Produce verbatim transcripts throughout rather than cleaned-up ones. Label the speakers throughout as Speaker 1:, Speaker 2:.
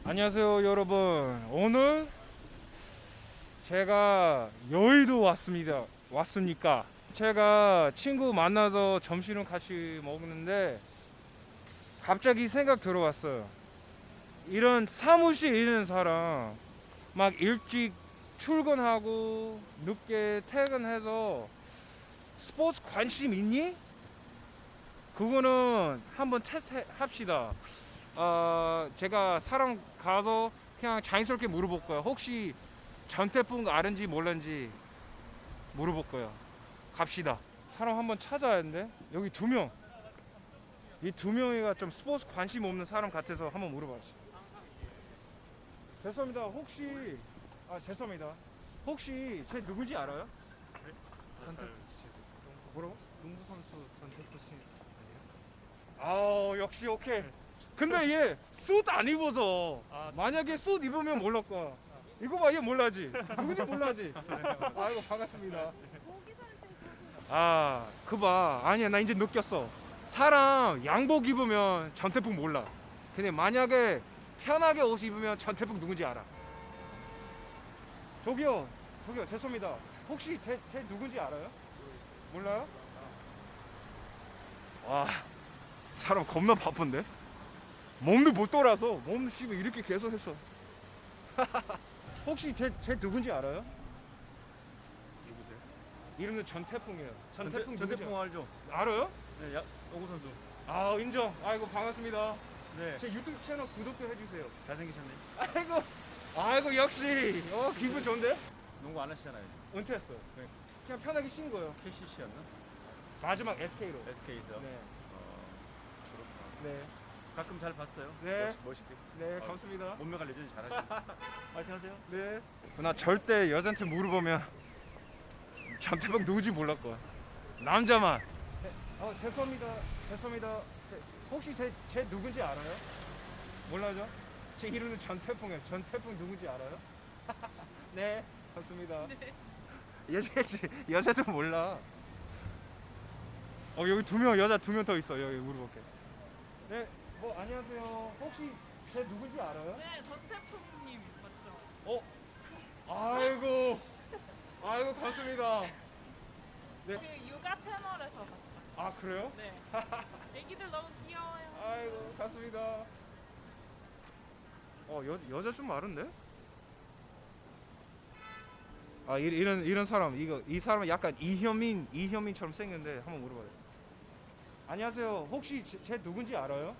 Speaker 1: 안녕하세요 여러분. 오늘 제가 여의도 왔습니다. 왔습니까? 제가 친구 만나서 점심을 같이 먹는데 갑자기 생각 들어왔어요. 이런 사무실 있는 사람 막 일찍 출근하고 늦게 퇴근해서 스포츠 관심 있니? 그거는 한번 테스트 합시다. 어, 제가 사람 가서 그냥 자연스럽게 물어볼 거예요. 혹시 전태풍 아는지 몰랐는지 물어볼 거예요. 갑시다. 사람 한번 찾아야 하는데 여기 두 명. 이 두 명이가 좀 스포츠 관심 없는 사람 같아서 한번 물어봐주세요. 죄송합니다. 혹시 아 죄송합니다. 혹시 쟤 누군지 알아요? 전태 뭐라고?
Speaker 2: 농구 선수 전태프 씨
Speaker 1: 아 역시 오케이. 근데 얘 숏 안 입어서
Speaker 2: 아,
Speaker 1: 만약에 숏 입으면 몰랄 거야. 이거 봐, 얘 몰라지. 누군지 몰라지. 아이고 반갑습니다. 아, 그 봐. 아니야, 나 이제 느꼈어. 사람 양복 입으면 전태풍 몰라. 근데 만약에 편하게 옷 입으면 전태풍 누군지 알아. 저기요, 저기요, 죄송합니다. 혹시 쟤, 쟤 누군지 알아요? 몰라요? 와, 사람 겁나 바쁜데? 몸도 못 돌아서 몸 씹어 이렇게 계속 했어. 혹시 제, 제 누군지 알아요?
Speaker 2: 누구세요?
Speaker 1: 이름은 전태풍이에요. 전태풍 누구죠?
Speaker 2: 전태풍 알죠?
Speaker 1: 알아요?
Speaker 2: 네, 야, 농구 선수.
Speaker 1: 아 인정. 아이고 반갑습니다.
Speaker 2: 네,
Speaker 1: 제 유튜브 채널 구독도 해주세요.
Speaker 2: 잘생기셨네.
Speaker 1: 아이고 아이고 역시 어 기분 좋은데?
Speaker 2: 농구 안 하시잖아요.
Speaker 1: 은퇴했어요. 네. 그냥 편하게 쉰 거예요.
Speaker 2: 케이씨씨였나?
Speaker 1: 마지막 에스케이로.
Speaker 2: 에스케이에서.
Speaker 1: 네.
Speaker 2: 어, 그렇구나.
Speaker 1: 네.
Speaker 2: 가끔 잘 봤어요.
Speaker 1: 네.
Speaker 2: 멋있, 멋있게.
Speaker 1: 네.
Speaker 2: 어,
Speaker 1: 감사합니다.
Speaker 2: 몸매 관리는 잘하시고. 파이팅 하세요.
Speaker 1: 네. 나 절대 여자한테 물어보면 전태풍 누구지 몰랄 거야. 남자만. 어 죄송합니다. 죄송합니다. 제, 혹시 제, 제 누군지 알아요? 몰라죠? 제 이름은 전태풍이에요. 전태풍 누군지 알아요? 네, 맞습니다. 네. 여자 여자도 몰라. 어 여기 두 명 여자 두 명 더 있어. 여기 물어볼게. 네, 뭐 안녕하세요. 혹시 제 누군지 알아요?
Speaker 3: 네, 전태풍님 맞죠?
Speaker 1: 어, 아이고, 아이고 감사합니다. 네,
Speaker 3: 그 육아 채널에서 봤어요.
Speaker 1: 아 그래요?
Speaker 3: 네. 애기들 너무 귀여워요.
Speaker 1: 아이고 감사합니다. 어 여, 여자 좀 많은데? 아 이, 이런 이런 사람 이거 이 사람은 약간 이현민 이현민처럼 생겼는데 한번 물어봐요. 안녕하세요. 혹시 제, 제 누군지 알아요?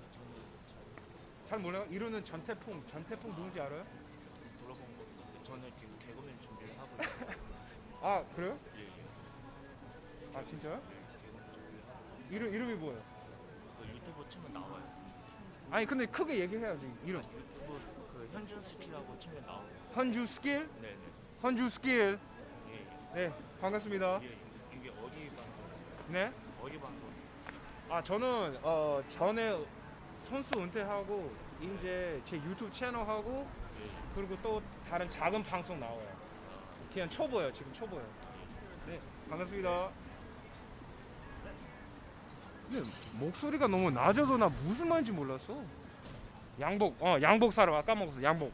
Speaker 1: 잘 몰라요? 이름은 전태풍. 전태풍 누군지 알아요?
Speaker 4: 물어본 거 없었는데 저는 지금 개그맨 준비를 하고 있어요.
Speaker 1: 아 그래요?
Speaker 4: 예, 예.
Speaker 1: 아 진짜요?
Speaker 4: 개그맨 준비를 하고
Speaker 1: 이름 이름이 뭐예요?
Speaker 4: 그 유튜브 치면 나와요.
Speaker 1: 아니 근데 크게 얘기해야지. 이름
Speaker 4: 유튜브 그 현준 스키라고 치면 나와요.
Speaker 1: 헌주 스킬?
Speaker 4: 네네.
Speaker 1: 헌주 스킬.
Speaker 4: 예, 예.
Speaker 1: 네 반갑습니다.
Speaker 4: 이게 이게 어디 방송?
Speaker 1: 네.
Speaker 4: 어디 방송?
Speaker 1: 아 저는 어 전에 선수 은퇴하고 이제 제 유튜브 채널 하고
Speaker 4: 예, 예.
Speaker 1: 그리고 또 다른 작은 방송 나와요. 그냥 초보예요. 지금 초보예요. 네 반갑습니다. 근데 목소리가 너무 낮아서 나 무슨 말인지 몰랐어. 양복 어 양복 사러 아까 먹었어 양복.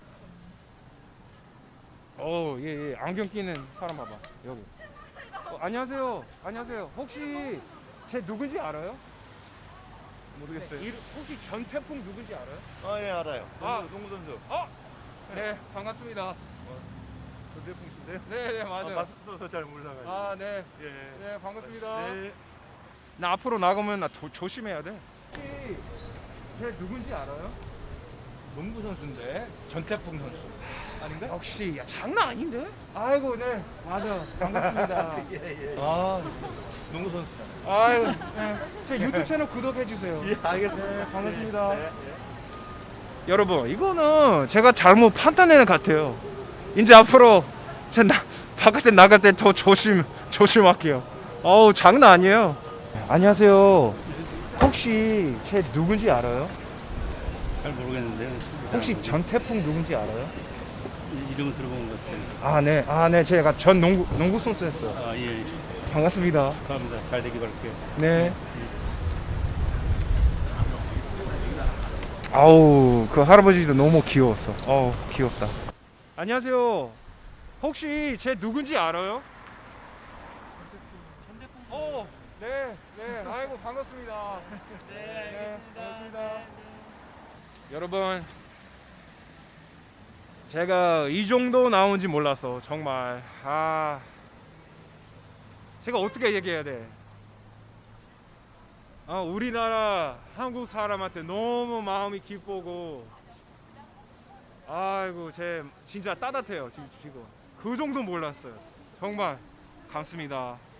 Speaker 1: 어예예 예. 안경 끼는 사람 봐봐 여기. 어, 안녕하세요. 안녕하세요. 혹시 제 누군지 알아요?
Speaker 2: 모르겠어요.
Speaker 1: 네, 이름- 혹시 전태풍 누군지 알아요?
Speaker 2: 아, 예, 알아요.
Speaker 1: 아.
Speaker 2: 농구, 농구 선수.
Speaker 1: 어? 네 반갑습니다.
Speaker 2: 전태풍 씨인데요.
Speaker 1: 네네 맞아요.
Speaker 2: 아, 맞서서 잘 몰라가지고.
Speaker 1: 아 네.
Speaker 2: 예.
Speaker 1: 네 반갑습니다.
Speaker 2: 네.
Speaker 1: 나 앞으로 나가면 나 조, 조심해야 돼. 혹시 제 누군지 알아요?
Speaker 2: 농구 선수인데 전태풍 선수. 아닌가?
Speaker 1: 역시 야 장난 아닌데? 아이고 네 맞아 반갑습니다.
Speaker 2: 예, 예. 아, 농구 선수잖아요.
Speaker 1: 아이고 네. 제 유튜브 채널 구독해 주세요.
Speaker 2: 예, 알겠습니다.
Speaker 1: 네, 반갑습니다.
Speaker 2: 네, 네.
Speaker 1: 여러분 이거는 제가 잘못 판단하는 것 같아요. 이제 앞으로 제 나, 바깥에 나갈 때 더 조심 조심할게요. 어우 장난 아니에요. 안녕하세요. 혹시 제 누군지 알아요?
Speaker 5: 잘 모르겠는데
Speaker 1: 혹시 전태풍 누군지 알아요?
Speaker 5: 이름을 들어본 것 같아요.
Speaker 1: 아 네, 아 네, 제가 전 농구 농구 선수였어요.
Speaker 5: 아 예,
Speaker 1: 반갑습니다.
Speaker 5: 감사합니다. 잘 되길 바랄게요.
Speaker 1: 네. 아우 그 할아버지도 너무 귀여웠어. 어우 귀엽다. 안녕하세요. 혹시 제 누군지 알아요? 어, 네, 네. 아이고 반갑습니다. 네, 반갑습니다. 여러분, 제가 이 정도 나온지 몰라서 정말 아, 제가 어떻게 얘기해야 돼? 아, 우리나라 한국 사람한테 너무 마음이 기쁘고, 아이고 제 진짜 따뜻해요 지금 지금. 그 정도 몰랐어요. 정말 감사합니다.